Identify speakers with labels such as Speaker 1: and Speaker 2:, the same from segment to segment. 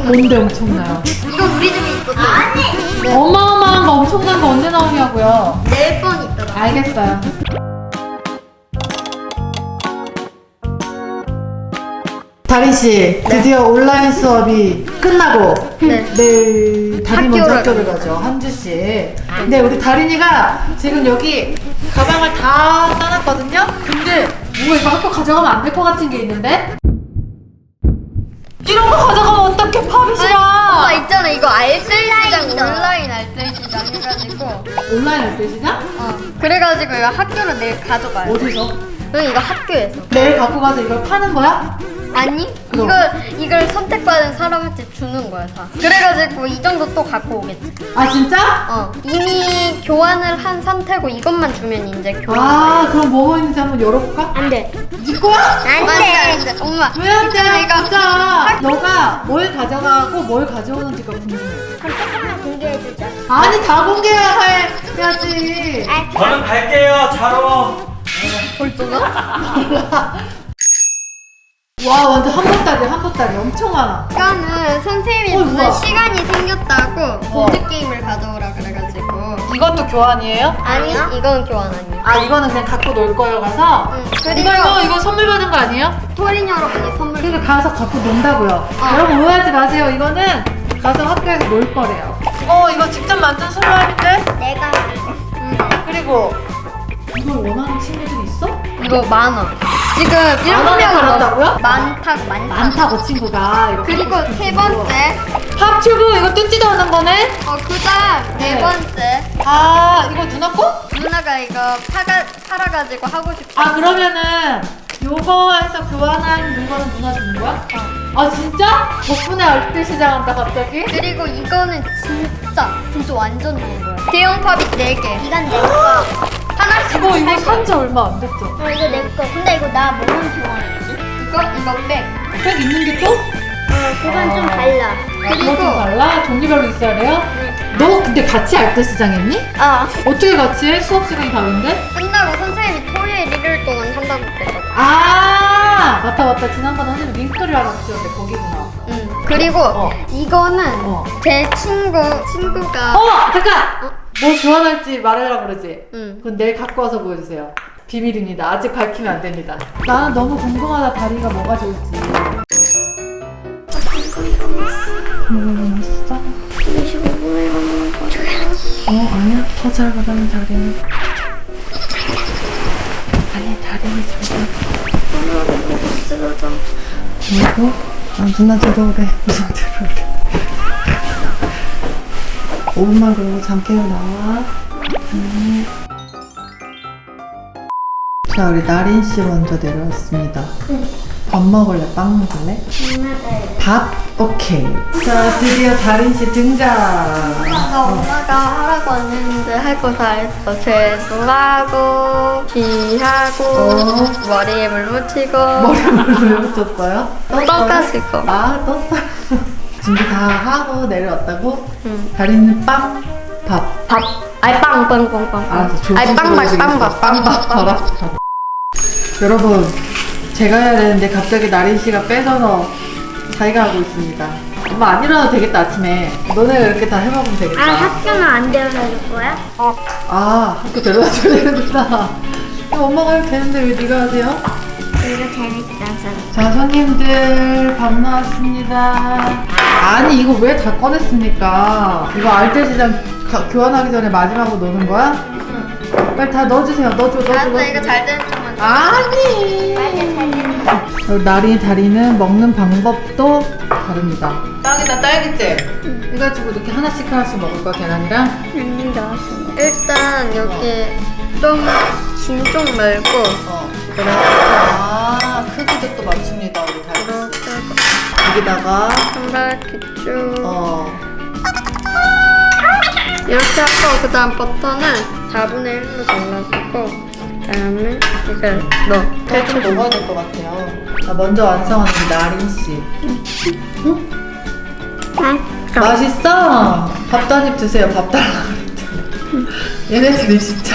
Speaker 1: 뭔데 엄청나요?
Speaker 2: 이거 우리 집에 있거든. 아니.
Speaker 1: 어마어마한 거 엄청난 거 언제 나오냐고요?
Speaker 2: 4번 있더라.
Speaker 1: 알겠어요. 다린 씨, 드디어 온라인 수업이 끝나고
Speaker 2: 네.
Speaker 1: 내일 다린 먼저
Speaker 2: 학교를
Speaker 1: 학교를 가죠. 한 주씩. 근데 우리 다린이가 지금 여기 가방을 다 싸놨거든요. 근데 뭐 이거 학교 가져가면 안 될 것 같은 게 있는데? 이런 거 가져가면 어떡해, 팝이시랑.
Speaker 2: 오빠 있잖아, 이거 알뜰시장 온라인 알뜰시장 해가지고.
Speaker 1: 온라인 할때 시작?
Speaker 2: 그래가지고 이거 학교로 내일 가져가요.
Speaker 1: 어디서?
Speaker 2: 응, 이거 학교에서.
Speaker 1: 내일 갖고 가서 이걸 파는 거야?
Speaker 2: 아니,
Speaker 1: 그럼.
Speaker 2: 이걸 선택받은 사람한테 주는 거야, 다. 그래가지고 이 정도 또 갖고 오겠지.
Speaker 1: 아 진짜?
Speaker 2: 이미 교환을 한 상태고 이것만 주면 이제 교환.
Speaker 1: 아 그럼 뭐가 있는지 한번 열어볼까?
Speaker 2: 안 돼.
Speaker 1: 네 거야?
Speaker 2: 안 돼. 엄마.
Speaker 1: 왜 안 돼?
Speaker 2: 이거
Speaker 1: 가자. 너가 뭘 가져가고 뭘 가져오는지가 궁금해.
Speaker 2: 그럼 조금만 공개해주자.
Speaker 1: 아니 다 공개해야지.
Speaker 3: 저는 갈게요. 자러.
Speaker 2: 벌써가?
Speaker 1: 와 완전 한 보따리 엄청 많아.
Speaker 2: 이거는 선생님이
Speaker 1: 어,
Speaker 2: 무슨
Speaker 1: 뭐야?
Speaker 2: 시간이 생겼다고 보드게임을 가져오라 그래가지고.
Speaker 1: 이것도 교환이에요?
Speaker 2: 아니, 이건 교환 아니야.
Speaker 1: 아 이거는 그냥 갖고 놀 거예요 가서?
Speaker 2: 응. 그리고
Speaker 1: 이거 선물 받은 거 아니에요?
Speaker 2: 토린 여러분이 선물.
Speaker 1: 그러니까 가서 갖고 논다고요. 여러분 오해하지 마세요. 이거는 가서 학교에서 놀 거래요. 이거 직접 만든 슬라임인데?
Speaker 2: 내가.
Speaker 1: 그리고 이걸 원하는 친구들이 있어?
Speaker 2: 이거 많아. 지금
Speaker 1: 원에
Speaker 2: 7명
Speaker 1: 달았다고요?
Speaker 2: 많다.
Speaker 1: 많다고 친구가. 이거
Speaker 2: 그리고
Speaker 1: 갖고
Speaker 2: 세
Speaker 1: 싶은
Speaker 2: 번째.
Speaker 1: 팝튜브 이거 뜯지도 않은 거네?
Speaker 2: 그다음
Speaker 1: 네.
Speaker 2: 네 번째.
Speaker 1: 아 이거 누나 거?
Speaker 2: 누나가 이거 팔아가지고 하고 싶어.
Speaker 1: 아 그러면은 요거에서 교환한 물건은 누나 주는 거야? 아 진짜? 덕분에 얼뜻시장 한다 갑자기?
Speaker 2: 그리고 이거는 진짜 완전 좋은 거야. 대형 팝이 4개. 이건 내 거. 하나씩.
Speaker 1: 이거 산지 얼마 안 됐죠?
Speaker 2: 이거 내 거. 근데 이거 나 뭐랑 교환했지? 이거 백.
Speaker 1: 백 있는 게 또?
Speaker 2: 그건 좀 달라.
Speaker 1: 그리고 달라? 종류별로 있어야 돼요? 너 근데 같이 알뜰시장 했니? 어떻게 같이 해? 수업 시간이 다른데?
Speaker 2: 끝나고 선생님이 토요일 일요일 동안 한다고 그랬거든.
Speaker 1: 아 맞다 지난번에 선생님 링크를 하라고 주셨는데 거기구나.
Speaker 2: 그리고 이거는 제 친구가
Speaker 1: 잠깐! 뭐 교환할지 말하려고 그러지?
Speaker 2: 응.
Speaker 1: 그건 내일 갖고 와서 보여주세요. 비밀입니다. 아직 밝히면 안 됩니다. 나는 너무 궁금하다. 다리가 뭐가 좋을지. 궁금해 있어?
Speaker 2: 25분에 가는 거 조용히.
Speaker 1: 아니야. 더 잘 가다는 다리는. 아니 다리는 잘 가. 뭐고? 누나 들어오래. 무슨 들어오래. 5분만 그러고 잠 깨워 나와. 자 우리 나린 씨 먼저 내려왔습니다. 밥 먹을래? 빵 먹을래? 밥? 오케이. 자 드디어 다린 씨 등장.
Speaker 2: 엄마가 하라고 했는데 할 거 다 했어. 세수하고 귀하고 머리에 물 묻히고
Speaker 1: 머리를 왜 붙였어요?
Speaker 2: 떡가지고.
Speaker 1: 떴어요. 준비 다 하고 내려왔다고?
Speaker 2: 응.
Speaker 1: 다린이는 빵, 밥.
Speaker 2: 밥. 아니 빵.
Speaker 1: 알았어.
Speaker 2: 아니 빵밥.
Speaker 1: 알았어. 여러분, 제가 해야 되는데 갑자기 나린 씨가 빼서서 자기가 하고 있습니다. 엄마 안 일어나도 되겠다 아침에. 너네가 이렇게 다 해먹으면 되겠다.
Speaker 2: 학교는 안 데려다 줄 거야?
Speaker 1: 학교 데려다 줘야 되는구나. 엄마가 해도 되는데 왜 네가 하세요?
Speaker 2: 이거 재밌다.
Speaker 1: 자 손님들 밥 나왔습니다. 아니 이거 왜 다 꺼냈습니까? 이거 알뜰시장 교환하기 전에 마지막으로 넣는 거야? 빨리 다 넣어주세요. 넣어줘.
Speaker 2: 알았어, 이거 잘 되는 쪽만.
Speaker 1: 아니. 그리고 나리 다리는 먹는 방법도 다릅니다. 빵이나 딸기잼 이거 가지고 이렇게 하나씩 먹을 거야 계란이랑?
Speaker 2: 일단 여기 좀 긴 쪽 말고
Speaker 1: 그래. 크기도 또 맞춥니다 우리 다리.
Speaker 2: 이렇게
Speaker 1: 여기다가
Speaker 2: 한 바퀴 쭉 이렇게 하고 그 다음 버터는 4분의 1로 잘라주고 그 다음에 이걸 넣어.
Speaker 1: 대충 먹어야 될 것 같아요. 자, 먼저 완성하는 나린 씨. 맛있어? 밥도 한 입 드세요. 밥 달라고 그랬더니. 얘네들이 진짜.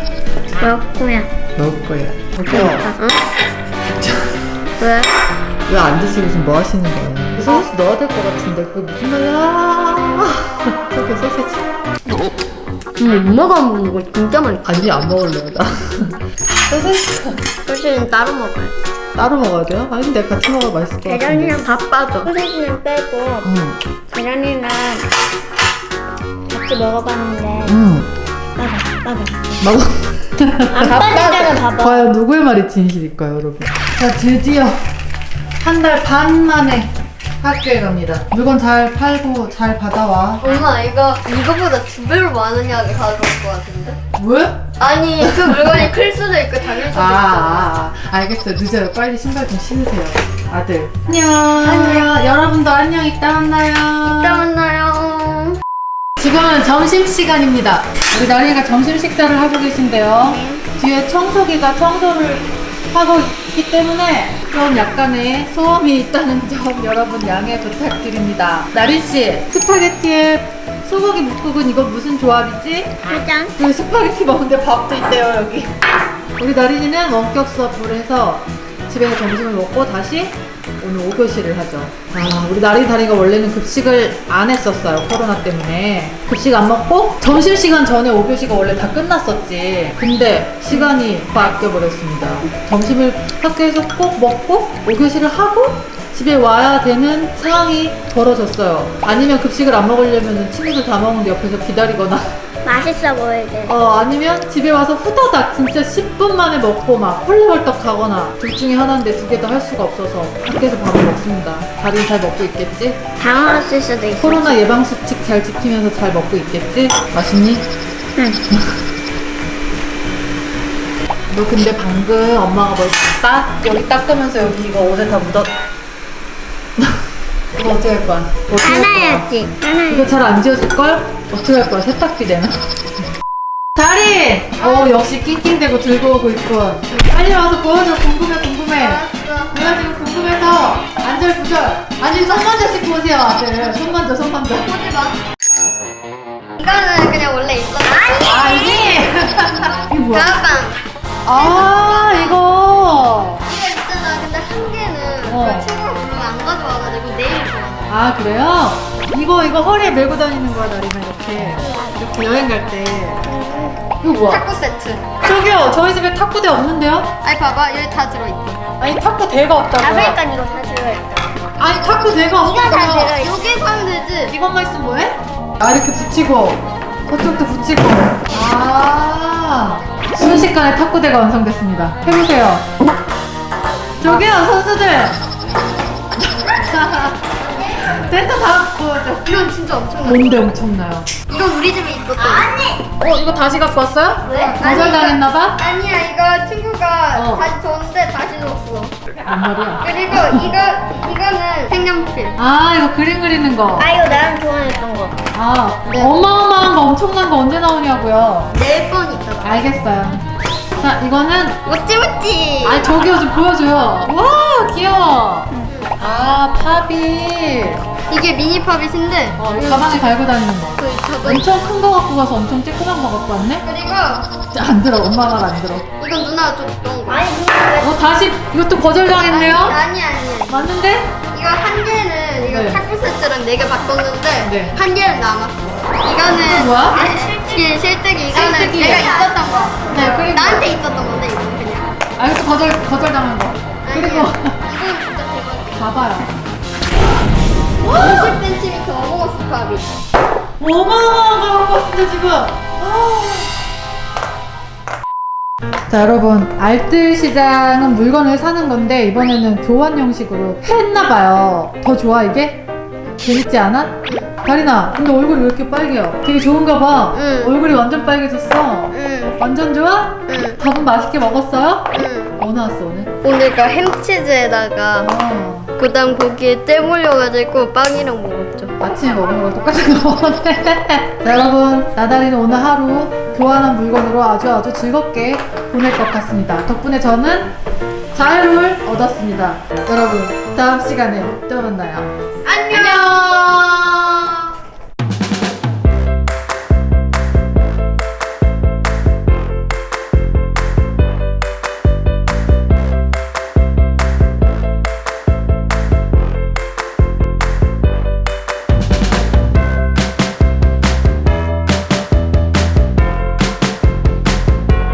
Speaker 2: 몇 거야?
Speaker 1: 먹을 거야. 먹어.
Speaker 2: 응? 왜?
Speaker 1: 왜 안 드시고 지금 뭐 하시는 거예요? 소시지 넣어야 될 것 같은데 그게 무슨 말이야? 저기 소시지.
Speaker 2: 엄마가 안 먹는 거 진짜 맛있어.
Speaker 1: 아니 안 먹을래요 나. 소시지
Speaker 2: 소시지는 따로 먹어요.
Speaker 1: 따로 먹어야 돼요? 아니 근데 같이 먹어야 맛있을 것 같은데.
Speaker 2: 계란이랑 밥 빠져. 소시지는 빼고
Speaker 1: 응.
Speaker 2: 계란이랑 같이 먹어봤는데
Speaker 1: 응. 먹어.
Speaker 2: 안 빠지잖아 봐봐.
Speaker 1: 과연 누구의 말이 진실일까요, 여러분? 자, 드디어 한 달 반 만에 학교에 갑니다. 물건 잘 팔고 잘 받아와.
Speaker 2: 엄마 이거보다 2배로 많은 양을 가져올 것 같은데?
Speaker 1: 왜?
Speaker 2: 아니 그 물건이 클 수도 있고 작을 수도
Speaker 1: 알겠어요. 늦어요. 빨리 신발 좀 신으세요. 아들. 안녕. 여러분도 안녕. 이따 만나요.
Speaker 2: 이따 만나요.
Speaker 1: 지금은 점심시간입니다. 우리 나리가 점심 식사를 하고 계신데요. 뒤에 청소기가 청소를 하고 있기 때문에 좀 약간의 소음이 있다는 점 여러분 양해 부탁드립니다. 나리씨, 스파게티에 소고기 묵국은 이거 무슨 조합이지?
Speaker 2: 짜잔.
Speaker 1: 그 스파게티 먹는데 밥도 있대요 여기. 우리 나린이는 원격 수업을 해서 집에서 점심을 먹고 다시 오늘 5교시를 하죠. 우리 나린이 다리가 원래는 급식을 안 했었어요. 코로나 때문에. 급식 안 먹고 점심시간 전에 5교시가 원래 다 끝났었지. 근데 시간이 바뀌어버렸습니다. 점심을 학교에서 꼭 먹고 5교시를 하고 집에 와야 되는 상황이 벌어졌어요. 아니면 급식을 안 먹으려면 친구들 다 먹는데 옆에서 기다리거나
Speaker 2: 맛있어 보이게.
Speaker 1: 아니면 집에 와서 후다닥 진짜 10분 만에 먹고 막 헐레벌떡 가거나 둘 중에 하나인데 두 개 다 할 수가 없어서 학교에서 밥을 먹습니다. 다리는 잘 먹고 있겠지?
Speaker 2: 당황했을 수도 있어.
Speaker 1: 코로나 예방수칙 잘 지키면서 잘 먹고 있겠지? 맛있니?
Speaker 2: 응.
Speaker 1: 너 근데 방금 엄마가 뭘 여기 닦으면서 여기 이거 옷에 다 묻었... 이거 어떻게 할 거야? 어떻게 할 거야?
Speaker 2: 하나였지.
Speaker 1: 이거 잘 안 지워질걸? 어떻게 할 거야? 세탁기 되나? 다리! 역시 낑낑대고 들고 오고 있군. 빨리 와서 보여줘. 궁금해. 내가 지금 궁금해서 안절부절. 아니 손 먼저 씻고 오세요 아들. 손 먼저.
Speaker 2: 보지 마. 이거는 그냥 원래 있었어.
Speaker 1: 이게? 이게 뭐야?
Speaker 2: 가방.
Speaker 1: 이거.
Speaker 2: 이거 있잖아. 근데 한 개는 그 친구가 부르면 안 가져와가지고 내일 줘.
Speaker 1: 그래요? 이거 허리에 메고 다니는 거야 나리가 이렇게 여행 갈 때. 이거 뭐야?
Speaker 2: 탁구 세트.
Speaker 1: 저기요 저희 집에 탁구대 없는데요?
Speaker 2: 아니 봐봐 여기 다 들어있어.
Speaker 1: 아니 탁구대가 없다고요?
Speaker 2: 그러니까 이거 다 들어있다.
Speaker 1: 아니 탁구대가 없다고요?
Speaker 2: 여기 사면 되지.
Speaker 1: 이것만 있으면 뭐해? 이렇게 붙이고 저쪽도 붙이고. 순식간에 탁구대가 완성됐습니다. 해보세요. 저기요 선수들. 센터 다 보여줘.
Speaker 2: 이건 진짜 엄청나.
Speaker 1: 뭔데 엄청나요?
Speaker 2: 이건 우리 집에 있었던. 아니.
Speaker 1: 이거 다시 갖고 왔어요?
Speaker 2: 왜?
Speaker 1: 거절당했나봐?
Speaker 2: 아니야 이거 친구가
Speaker 1: 어.
Speaker 2: 다시 줬는데 다시 줬어.
Speaker 1: 뭔 말이야?
Speaker 2: 그리고 이거는 색연필.
Speaker 1: 이거 그림 그리는 거.
Speaker 2: 이거 나랑 좋아했던 거.
Speaker 1: 네. 어마어마한 거 엄청난 거 언제 나오냐고요.
Speaker 2: 4번 있잖아.
Speaker 1: 알겠어요. 자 이거는
Speaker 2: 모찌모찌.
Speaker 1: 저기요 좀 보여줘요. 와 귀여워. 파빌.
Speaker 2: 이게 미니 팝잇인데.
Speaker 1: 이거 가방에 달고 다니는 거.
Speaker 2: 저거.
Speaker 1: 엄청 큰 거 갖고 가서 엄청 쬐끄만 거 갖고 왔네?
Speaker 2: 그리고
Speaker 1: 안 들어. 엄마 말 안 들어.
Speaker 2: 이건 누나가 줬던 거. 아니 누나
Speaker 1: 다시 이것도 거절당했네요?
Speaker 2: 아니.
Speaker 1: 맞는데?
Speaker 2: 이거 한 개는 이거
Speaker 1: 네.
Speaker 2: 탁구 세트랑 4개 바꿨는데
Speaker 1: 네.
Speaker 2: 한 개는 남았어. 이거는
Speaker 1: 뭐야?
Speaker 2: 이게 실뜨기. 이거는
Speaker 1: 실뜨기.
Speaker 2: 내가 있었던 거.
Speaker 1: 네, 그리고
Speaker 2: 나한테 있었던 건데 이거는 그냥.
Speaker 1: 이것도 거절당한 거. 그리고
Speaker 2: 이건 진짜 대박.
Speaker 1: 봐봐요.
Speaker 2: 50cm 어몽어스 팝잇.
Speaker 1: 어마어마한 거 갖고 왔습니다 지금. 자 여러분 알뜰 시장은 물건을 사는 건데 이번에는 교환 형식으로 했나봐요. 더 좋아 이게? 재밌지 않아? 다리나 근데 얼굴이 왜 이렇게 빨개요? 되게 좋은가 봐.
Speaker 2: 응.
Speaker 1: 얼굴이 완전 빨개졌어.
Speaker 2: 응.
Speaker 1: 완전 좋아?
Speaker 2: 응.
Speaker 1: 밥은 맛있게 먹었어요?
Speaker 2: 응.
Speaker 1: 뭐 나왔어 오늘?
Speaker 2: 오늘가 햄치즈에다가 그다음 고기에 때 몰려가지고 빵이랑 먹었죠.
Speaker 1: 아침에 먹은 거랑 똑같은 거 먹었네. 자 여러분 나다리는 오늘 하루 교환한 물건으로 아주 즐겁게 보낼 것 같습니다. 덕분에 저는 자유를 얻었습니다. 여러분 다음 시간에 또 만나요.